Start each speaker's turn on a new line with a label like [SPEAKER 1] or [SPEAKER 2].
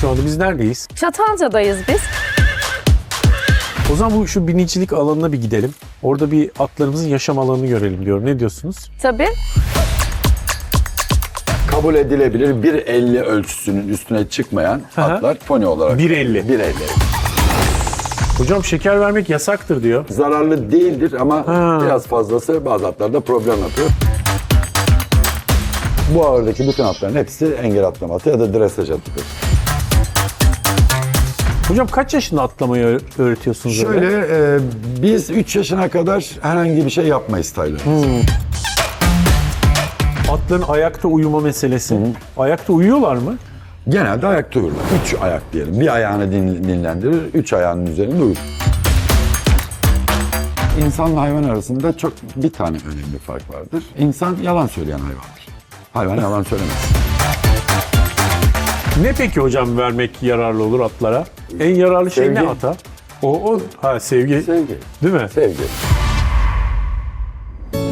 [SPEAKER 1] şu anda? Biz neredeyiz?
[SPEAKER 2] Çatalca'dayız biz.
[SPEAKER 1] O zaman şu binicilik alanına bir gidelim. Orada bir atlarımızın yaşam alanını görelim diyorum. Ne diyorsunuz?
[SPEAKER 2] Tabii.
[SPEAKER 3] Kabul edilebilir 1.50 ölçüsünün üstüne çıkmayan atlar pony olarak.
[SPEAKER 1] 1.50.
[SPEAKER 3] 1.50.
[SPEAKER 1] Hocam şeker vermek yasaktır diyor.
[SPEAKER 3] Zararlı değildir ama biraz fazlası bazı atlarda problem yapıyor. Bu ağırdaki bütün atların hepsi engel atlama atı ya da dresaj atıdır.
[SPEAKER 1] Hocam kaç yaşında atlamayı öğretiyorsunuz? öyle?
[SPEAKER 3] Şöyle biz 3 yaşına kadar herhangi bir şey yapmayız Taylan.
[SPEAKER 1] Atların ayakta uyuma meselesi. Ayakta uyuyorlar mı?
[SPEAKER 3] Genelde ayakta uyurlar. 3 ayak diyelim. Bir ayağını dinlendirir, 3 ayağının üzerinde uyur. İnsanla hayvan arasında bir tane önemli fark vardır. İnsan yalan söyleyen hayvandır. Hayvan yalan söylemez.
[SPEAKER 1] Ne peki hocam vermek yararlı olur atlara? En yararlı şey
[SPEAKER 3] Sevgi.
[SPEAKER 1] ne ata? Sevgi.
[SPEAKER 3] Sevgi.
[SPEAKER 1] Değil mi?
[SPEAKER 3] Sevgi.